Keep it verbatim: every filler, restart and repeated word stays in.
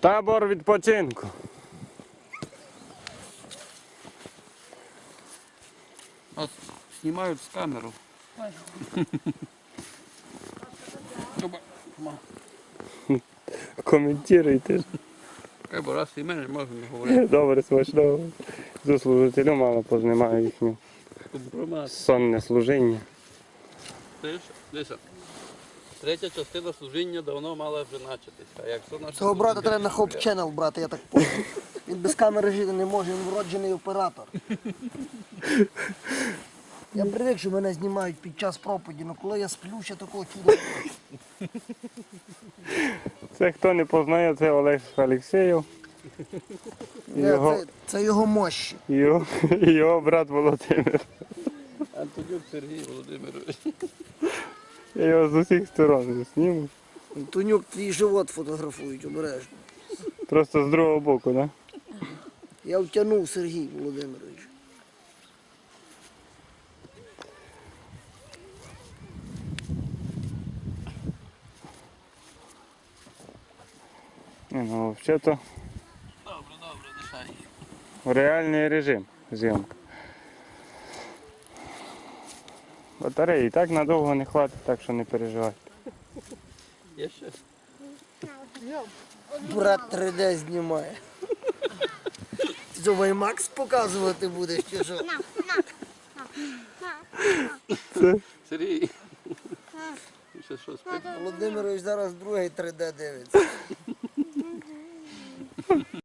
Табор відпочинку. От знімають з камеру. Коментуйте. Хай бо раз і мене можна не говорити. Добре, смачного. До служителю мало познімаю їхню Компромат. сонне служіння. Ти ж, дивися. Третя частина служіння давно мала вже начатися. А якщо наше Цього брата служіння- треба на Хоп Channel брати, я так понял. Він без камери жити не може, він вроджений оператор. Я привик, що мене знімають під час проповіді, але коли я сплю, ще такого чуда. Це хто не познає, це Олег Алексєєв. І Ні, його, Це, це його мощі. і його, і його брат Володимир. Антонюк Сергій Володимирович. Я його з усіх сторон зніму. Тунюк, твій живот фотографують обережно. Просто з другого боку, так? Да? Я втягнув Сергій Володимирович. Ні, ну, взагалі-то Добре, добре, дишай. реальний режим зйомка. Батареї і так надовго не хватить, так що не переживайте. Є ще? Брат три де знімає. Ти що, Ваймакс показувати будеш чи що? Сергій. Ти ще що спить? Володимирович зараз другий три де дивиться.